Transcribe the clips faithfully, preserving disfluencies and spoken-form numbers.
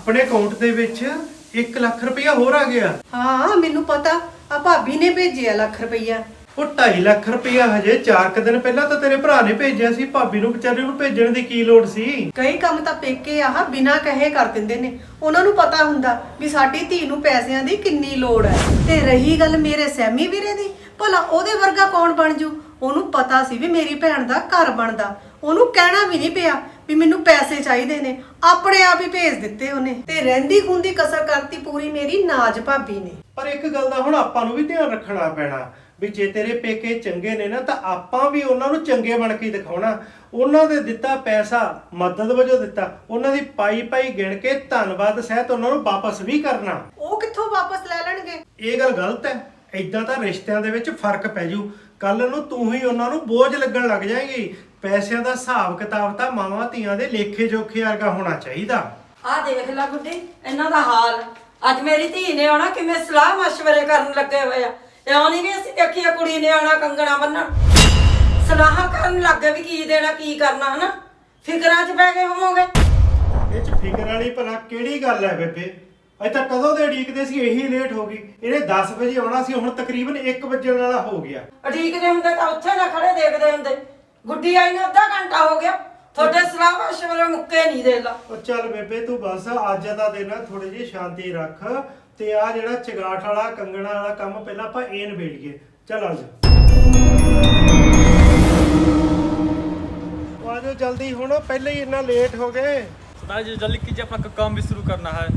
ਆਪਣੇ ਅਕਾਊਂਟ ਦੇ ਵਿੱਚ ਇੱਕ ਲੱਖ ਰੁਪਇਆ ਹੋਰ ਆ ਗਿਆ। ਹਾਂ ਮੈਨੂੰ ਪਤਾ, ਆ ਭਾਬੀ ਨੇ ਭੇਜਿਆ ਲੱਖ ਰੁਪਈਆ। ਉਹ ਢਾਈ ਲੱਖ ਰੁਪਇਆ ਹਜੇ ਚਾਰ ਕੁ ਦਿਨ ਪਹਿਲਾਂ ਤਾਂ ਤੇਰੇ ਭਰਾ ਨੇ ਭੇਜਿਆ ਸੀ। ਭਾਬੀ ਨੂੰ ਵਿਚਾਰੇ ਨੂੰ ਭੇਜਣ ਦੀ ਕੀ ਲੋੜ ਸੀ? ਕਈ ਕੰਮ ਤਾਂ ਪੇਕੇ ਆਹ ਬਿਨਾਂ ਕਹੇ ਕਰ ਦਿੰਦੇ ਨੇ। ਉਹਨਾਂ ਨੂੰ ਪਤਾ ਹੁੰਦਾ ਵੀ ਸਾਡੀ ਧੀ ਨੂੰ ਪੈਸਿਆਂ ਦੀ ਕਿੰਨੀ ਲੋੜ ਹੈ। ਤੇ ਰਹੀ ਗੱਲ ਮੇਰੇ ਸੈਮੀ ਵੀਰੇ ਦੀ, ਭਲਾ ਉਹਦੇ ਵਰਗਾ ਕੌਣ ਬਣ ਜੂ? ਉਹਨੂੰ ਪਤਾ ਸੀ ਵੀ ਮੇਰੀ ਭੈਣ ਦਾ ਘਰ ਬਣਦਾ, ਉਹਨੂੰ ਕਹਿਣਾ ਵੀ ਨਹੀਂ ਪਿਆ ਵੀ ਮੈਨੂੰ ਪੈਸੇ ਚਾਹੀਦੇ ਨੇ, ਆਪਣੇ ਆਪ ਹੀ ਭੇਜ ਦਿੱਤੇ ਉਹਨੇ। ਤੇ ਰਹਿੰਦੀ ਖੁੰਦੀ ਕਸਰ ਕਰਤੀ ਪੂਰੀ ਮੇਰੀ ਨਾਜ ਭਾਬੀ ਨੇ। ਪਰ ਇੱਕ ਗੱਲ ਦਾ ਹੁਣ ਆਪਾਂ ਨੂੰ ਵੀ ਧਿਆਨ ਰੱਖਣਾ ਪੈਣਾ ਵੀ ਜੇ ਤੇਰੇ ਪੇਕੇ ਚੰਗੇ ਨੇ ਨਾ ਤਾਂ ਆਪਾਂ ਵੀ ਉਹਨਾਂ ਨੂੰ ਚੰਗੇ ਬਣ ਕੇ ਦਿਖਾਉਣਾ। ਉਹਨਾਂ ਦੇ ਦਿੱਤਾ ਪੈਸਾ ਮਦਦ ਵਜੋਂ ਦਿੱਤਾ, ਉਹਨਾਂ ਦੀ ਪਾਈ ਪਾਈ ਗਿਣ ਕੇ ਧੰਨਵਾਦ ਸਹਿਤ ਉਹਨਾਂ ਨੂੰ ਵਾਪਸ ਵੀ ਕਰਨਾ। ਉਹ ਕਿੱਥੋਂ ਵਾਪਸ ਲੈ ਲੈਣਗੇ? ਇਹ ਗੱਲ ਗਲਤ ਹੈ। ਇਦਾਂ ਤਾਂ ਰਿਸ਼ਤਿਆਂ ਦੇ ਵਿੱਚ ਫਰਕ ਪੈ ਜੂ। ਕੱਲ ਨੂੰ ਤੂੰ ਹੀ ਉਹਨਾਂ ਨੂੰ ਬੋਝ ਲੱਗਣ ਲੱਗ ਜਾਏਗੀ। ਪੈਸਿਆਂ ਦਾ ਹਿਸਾਬ ਕਿਤਾਬ ਤਾਂ ਮਾਵਾਂ ਧੀਆਂ ਦੇ ਲੇਖੇ ਜੋਖੇ ਵਰਗਾ ਹੋਣਾ ਚਾਹੀਦਾ। ਆਹ ਦੇਖ ਲੈ ਗੁੱਡੀ ਇਹਨਾਂ ਦਾ ਹਾਲ। ਅੱਜ ਮੇਰੀ ਧੀ ਨੇ ਆਉਣਾ ਕਿਵੇਂ ਸਲਾਹ ਮਸ਼ਵਰੇ ਕਰਨ ਲੱਗੇ ਹੋਏ ਆ। ਇਉਂ ਨਹੀਂ ਵੀ ਅਸੀਂ ਦੇਖੀਏ ਕੁੜੀ ਨੇ ਆਉਣਾ ਕੰਗਣਾ ਬੰਨਣ, ਸਲਾਹਾਂ ਕਰਨ ਲੱਗੇ ਵੀ ਕੀ ਦੇਣਾ ਕੀ ਕਰਨਾ, ਹਨਾ ਫਿਕਰਾਂ 'ਚ ਪੈ ਗਏ ਹੋਵੋਗੇ। ਇਹ 'ਚ ਫਿਕਰ ਵਾਲੀ ਭਲਾ ਕਿਹੜੀ ਗੱਲ ਹੈ ਬੇਬੇ? ਅਜੇ ਤਾਂ ਕਦੋਂ ਦੇ ਉਡੀਕਦੇ ਸੀ, ਇਹੀ ਲੇਟ ਹੋ ਗਈ। ਇਹਨੇ ਦਸ ਵਜੇ ਆਉਣਾ ਸੀ, ਹੁਣ ਤਕਰੀਬਨ ਇੱਕ ਵਜਣ ਵਾਲਾ ਹੋ ਗਿਆ। ਉਡੀਕਦੇ ਹੁੰਦੇ ਤਾਂ ਉੱਥੇ ਨਾ ਖੜੇ ਦੇਖਦੇ ਹੁੰਦੇ। ਗੁੱਡੀ ਆਈ ਨੂੰ ਅੱਧਾ ਘੰਟਾ ਹੋ ਗਿਆ, ਤੁਹਾਡੇ ਸਲਾਹ ਮਸ਼ਵਰੇ ਮੁੱਕੇ ਨਹੀਂ ਦੇ ਲਾ। ਉਹ ਚੱਲ ਬੇਬੇ ਤੂੰ ਬਸ ਅੱਜ ਦਾ ਦਿਨ ਥੋੜੀ ਜਿਹੀ ਸ਼ਾਂਤੀ ਰੱਖ ਤੇ ਆ ਜਿਹੜਾ ਚਗਾਠ ਵਾਲਾ ਕੰਗਣਾ ਵਾਲਾ ਕੰਮ ਪਹਿਲਾਂ ਆਪਾਂ ਇਹ ਨਿਬੇੜੀਏ। ਚੱਲ ਆ ਜਾ ਆ ਜਾ ਜਲਦੀ, ਹੁਣ ਪਹਿਲੇ ਹੀ ਇੰਨਾ ਲੇਟ ਹੋ ਗਏ। सरदार जी जल्दी कीजिए, अपना काम भी शुरू करना है।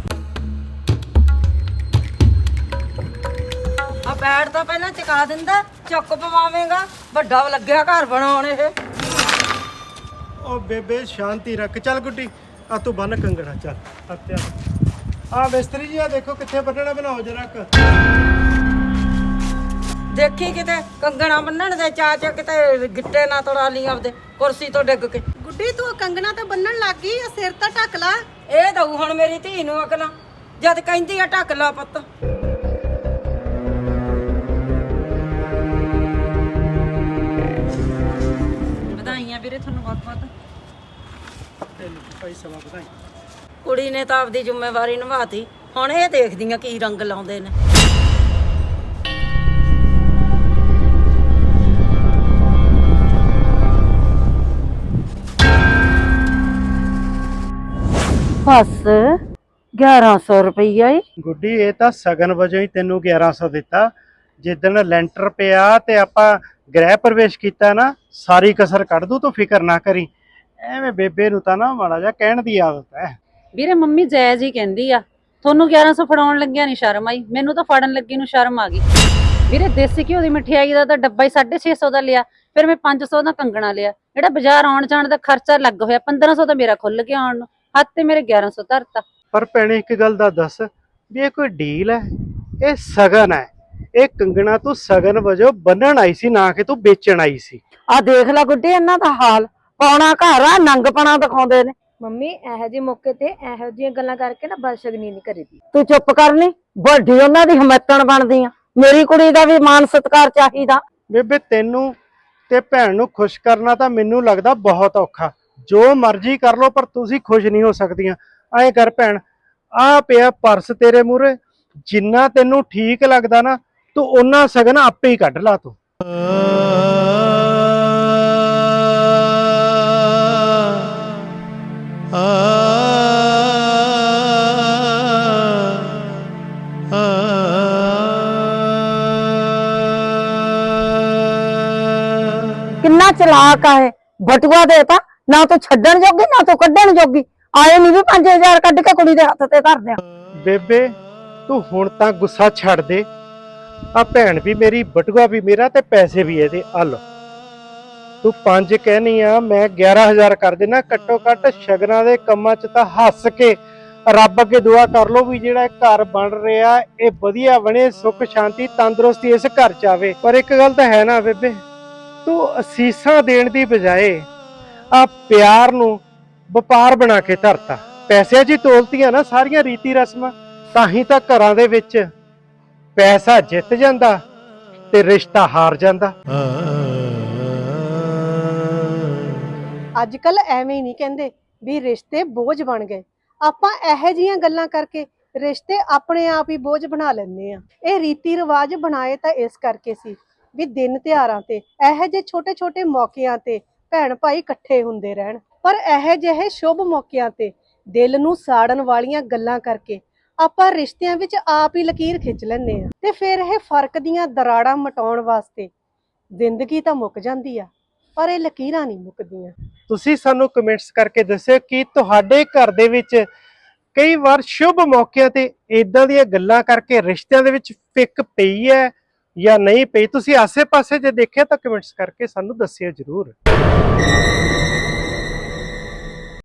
ਆ ਪੈੜ ਤਾਂ ਪਹਿਲਾਂ ਚਕਾ ਦਿੰਦਾ, ਚੁੱਕ ਪਵਾਵੇਂਗਾ। ਵੱਡਾ ਲੱਗਿਆ ਘਰ ਬਣਾਉਣ ਇਹ। ਉਹ ਬੇਬੇ ਸ਼ਾਂਤੀ ਰੱਖ। ਚੱਲ ਗੁੱਡੀ ਆ ਤੂੰ ਬੰਨ ਕੰਗਣਾ। ਚੱਲ ਹੱਤਿਆ ਆ ਮਿਸਤਰੀ ਜੀ ਆ ਦੇਖੋ ਕਿੱਥੇ ਬੰਨਣਾ, ਬਣਾਓ ਜਰਾ ਕ। ਦੇਖੀ ਕਿਤੇ ਕੰਗਣਾ ਬੰਨਣ ਦੇ ਚਾਚ ਕਿਤੇ ਗਿੱਟੇ ਨਾ ਤੋੜਾ ਲਈ ਆਪਦੇ ਕੁਰਸੀ ਤੋਂ ਡਿੱਗ ਕੇ। ਗੁੱਡੀ ਤੂੰ ਕੰਗਣਾ ਤਾਂ ਬੰਨਣ ਲੱਗ ਗਈ, ਆ ਸਿਰ ਤਾਂ ਢੱਕ ਲਾ। ਇਹ ਦਊ ਹੁਣ ਮੇਰੀ ਧੀ ਨੂੰ ਅਕਲਾਂ, ਜਦ ਕਹਿੰਦੀ ਆ ਢੱਕ ਲਾ ਪੁੱਤ। ਵਧਾਈਆਂ ਵੀਰੇ ਤੁਹਾਨੂੰ ਬਹੁਤ ਬਹੁਤ। ਭਾਈ ਸਭਾ ਵਧਾਈ। ਕੁੜੀ ਨੇ ਤਾਂ ਆਪਦੀ ਜ਼ਿੰਮੇਵਾਰੀ ਨਿਭਾਤੀ, ਹੁਣ ਇਹ ਦੇਖਦੀਆਂ ਕੀ ਰੰਗ ਲਾਉਂਦੇ ਨੇ। ਬਸ ਗਿਆਰਾਂ ਸੌ ਰੁਪਈਆ ਏ। ਗੁੱਡੀ ਇਹ ਤਾਂ ਸਗਨ ਵਜੋਂ ਹੀ ਤੈਨੂੰ ਗਿਆਰਾਂ ਸੌ ਦਿੱਤਾ। ਜਿੱਦਣ ਲੈਂਟਰ ਪਿਆ ਤੇ ਆਪਾਂ ਗ੍ਰਹਿ ਪ੍ਰਵੇਸ਼ ਕੀਤਾ ਨਾ, ਸਾਰੀ ਕਸਰ ਕੱਢ ਦੂ, ਤੂੰ ਫਿਕਰ ਨਾ ਕਰੀ। ਐਵੇਂ ਬੇਬੇ ਨੂੰ ਤਾਂ ਨਾ ਮਾੜਾ ਜਿਹਾ ਕਹਿਣ ਦੀ ਆਦਤ ਹੈ। ਵੀਰੇ ਮੰਮੀ ਜਾਇਜ਼ ਹੀ ਕਹਿੰਦੀ ਆ। ਤੁਹਾਨੂੰ ਗਿਆਰਾਂ ਸੌ ਫੜਾਉਣ ਲੱਗਿਆ ਨਹੀਂ ਸ਼ਰਮ ਆਈ, ਮੈਨੂੰ ਤਾਂ ਫੜਨ ਲੱਗੀ ਨੂੰ ਸ਼ਰਮ ਆ ਗਈ। ਵੀਰੇ ਦੇਸੀ ਘਿਓ ਦੀ ਮਠਿਆਈ ਦਾ ਤਾਂ ਡੱਬਾ ਹੀ ਸਾਢੇ ਛੇ ਸੌ ਦਾ ਲਿਆ, ਫਿਰ ਮੈਂ ਪੰਜ ਸੌ ਦਾ ਕੰਗਣਾ ਲਿਆ। ਜਿਹੜਾ ਬਾਜ਼ਾਰ ਆਉਣ ਜਾਣ ਦਾ ਖਰਚਾ ਲੱਗ ਹੋਇਆ ਪੰਦਰਾਂ ਸੌ ਤਾਂ ਮੇਰਾ ਖੁੱਲ ਗਿਆ ਆਉਣ ਨੂੰ, ਹੱਥ ਤੇ ਮੇਰੇ ਗਿਆਰਾਂ ਸੌ ਧਰਤਾ। ਪਰ ਭੈਣੇ ਇੱਕ ਗੱਲ ਦਾ ਦੱਸ ਵੀ ਇਹ ਕੋਈ ਡੀਲ ਹੈ? ਇਹ ਸਗਨ ਹੈ। ਇਹ ਕੰਗਣਾ ਤੂੰ ਸਗਨ ਵਜੋਂ ਬੰਨਣ ਆਈ ਸੀ, ਨਾ ਕਿ ਤੂੰ ਵੇਚਣ ਆਈ ਸੀ। ਆ ਦੇਖ ਲੈ ਗੁੱਡੀ ਇਹਨਾਂ ਦਾ ਹਾਲ। ਪਾਉਣਾ ਘਰ ਆ, ਨੰਗਪਣਾ ਦਿਖਾਉਂਦੇ ਨੇ। ਮੰਮੀ ਇਹੋ ਜਿਹੇ ਮੌਕੇ ਤੇ ਇਹੋ ਜਿਹੀਆਂ ਗੱਲਾਂ ਕਰਕੇ ਨਾ ਬਦਸ਼ਗਨੀ ਨਹੀਂ ਕਰੀਦੀ। ਤੂੰ ਚੁੱਪ ਕਰਨੀ, ਵੱਡੀ ਉਹਨਾਂ ਦੀ ਹਮਤਣ ਬਣਦੀ ਆ। ਮੇਰੀ ਕੁੜੀ ਦਾ ਵੀ ਮਾਨ ਸਤਿਕਾਰ ਚਾਹੀਦਾ। ਬੇਬੇ ਤੈਨੂੰ ਤੇ ਭੈਣ ਨੂੰ ਖੁਸ਼ ਕਰਨਾ ਤਾਂ ਮੈਨੂੰ ਲੱਗਦਾ ਬਹੁਤ ਔਖਾ। ਜੋ ਮਰਜ਼ੀ ਕਰ ਲੋ ਪਰ ਤੁਸੀਂ ਖੁਸ਼ ਨਹੀਂ ਹੋ ਸਕਦੀਆਂ। ਐਂ ਕਰ ਭੈਣ, ਆ ਪਿਆ ਪਰਸ ਤੇਰੇ ਮੂਹਰੇ, ਜਿੰਨਾ ਤੈਨੂੰ ਠੀਕ ਲੱਗਦਾ ਨਾ ਤੂੰ ਉਹਨਾਂ ਸਗਨ ਆਪੇ ਹੀ ਕੱਢ ਲਾ। ਤੂੰ ਕਿੰਨਾ ਚਲਾਕ ਆ ਇਹ। ਬਟੂਆ ਦੇਤਾ ਨਾ, ਤੂੰ ਛੱਡਣ ਜੋਗੀ ਨਾ ਤੂੰ ਕੱਢਣ ਜੋਗੀ। ਆਏ ਨਹੀਂ ਵੀ ਪੰਜ ਹਜ਼ਾਰ ਕੱਢ ਕੇ ਕੁੜੀ ਦੇ ਹੱਥ ਤੇ ਧਰ ਦਿਆਂ। ਬੇਬੇ ਤੂੰ ਹੁਣ ਤਾਂ ਗੁੱਸਾ ਛੱਡ ਦੇ। ਆ ਭੈਣ ਵੀ ਮੇਰੀ, ਬਟੂਆ ਵੀ ਮੇਰਾ ਤੇ ਪੈਸੇ ਵੀ ਇਹਦੇ। ਆ ਲੋ ਤੂੰ ਪੰਜ ਕਹਿਨੀ ਆ, ਮੈਂ ਗਿਆਰਾਂ ਹਜ਼ਾਰ ਕਰ ਦੇਣਾ। ਘੱਟੋ ਘੱਟ ਸ਼ਗਨਾਂ ਦੇ ਕੰਮਾਂ 'ਚ ਤਾਂ ਹੱਸ ਕੇ ਰੱਬ ਅੱਗੇ ਦੁਆ ਕਰ ਲੋ ਵੀ ਜਿਹੜਾ ਘਰ ਬਣ ਰਿਹਾ ਇਹ ਵਧੀਆ ਬਣੇ, ਸੁੱਖ ਸ਼ਾਂਤੀ ਤੰਦਰੁਸਤੀ ਇਸ ਘਰ 'ਚ ਆਵੇ। ਪਰ ਇੱਕ ਗੱਲ ਤਾਂ ਹੈ ਨਾ ਬੇਬੇ, ਤੂੰ ਅਸੀਸਾਂ ਦੇਣ ਦੀ ਬਜਾਏ ਆ ਪਿਆਰ ਨੂੰ ਵਪਾਰ ਬਣਾ ਕੇ ਧਰਤਾ। ਪੈਸਿਆਂ 'ਚ ਹੀ ਤੋਲਤੀਆਂ ਨਾ ਸਾਰੀਆਂ ਰੀਤੀ ਰਸਮਾਂ। ਤਾਂ ਹੀ ਤਾਂ ਘਰਾਂ ਦੇ ਵਿੱਚ ਪੈਸਾ ਜਿੱਤ ਜਾਂਦਾ ਤੇ ਰਿਸ਼ਤਾ ਹਾਰ ਜਾਂਦਾ। ਅੱਜ ਕੱਲ ਐਵੇਂ ਹੀ ਨਹੀਂ ਕਹਿੰਦੇ ਵੀ ਰਿਸ਼ਤੇ ਬੋਝ ਬਣ ਗਏ। ਆਪਾਂ ਇਹੋ ਜਿਹੀਆਂ ਗੱਲਾਂ ਕਰਕੇ ਰਿਸ਼ਤੇ ਆਪਣੇ ਆਪ ਹੀ ਬੋਝ ਬਣਾ ਲੈਂਦੇ ਆ। ਇਹ ਰੀਤੀ ਰਿਵਾਜ ਬਣਾਏ ਤਾਂ ਇਸ ਕਰਕੇ ਸੀ ਵੀ ਦਿਨ ਤਿਉਹਾਰਾਂ ਤੇ ਇਹੋ ਜਿਹੇ ਛੋਟੇ-ਛੋਟੇ ਮੌਕਿਆਂ ਤੇ ਭੈਣ ਭਾਈ ਇਕੱਠੇ ਹੁੰਦੇ ਰਹਿਣ। ਪਰ ਇਹੋ ਜਿਹੇ ਸ਼ੁਭ ਮੌਕਿਆਂ ਤੇ ਦਿਲ ਨੂੰ ਸਾੜਨ ਵਾਲੀਆਂ ਗੱਲਾਂ ਕਰਕੇ ਆਪਾਂ ਰਿਸ਼ਤਿਆਂ ਵਿੱਚ ਆਪ ਹੀ ਲਕੀਰ ਖਿੱਚ ਲੈਂਦੇ ਆ ਤੇ ਫਿਰ ਇਹ ਫਰਕ ਦੀਆਂ ਦਰਾੜਾਂ ਮਟਾਉਣ ਵਾਸਤੇ ਜ਼ਿੰਦਗੀ ਤਾਂ ਮੁੱਕ ਜਾਂਦੀ ਆ, ਪਰ ਇਹ ਲਕੀਰਾਂ ਨਹੀਂ ਮੁੱਕਦੀਆਂ। ਤੁਸੀਂ ਸਾਨੂੰ ਕਮੈਂਟਸ ਕਰਕੇ ਦੱਸਿਓ ਕਿ ਤੁਹਾਡੇ ਘਰ ਦੇ ਵਿੱਚ ਕਈ ਵਾਰ ਸ਼ੁਭ ਮੌਕਿਆਂ ਤੇ ਇਦਾਂ ਦੀਆਂ ਗੱਲਾਂ ਕਰਕੇ ਰਿਸ਼ਤਿਆਂ ਦੇ ਵਿੱਚ ਫਿੱਕ ਪਈ ਹੈ ਜਾਂ ਨਹੀਂ ਪਈ। ਤੁਸੀਂ ਆਸੇ-ਪਾਸੇ ਜੇ ਦੇਖਿਆ ਤਾਂ ਕਮੈਂਟਸ ਕਰਕੇ ਸਾਨੂੰ ਦੱਸਿਓ ਜ਼ਰੂਰ।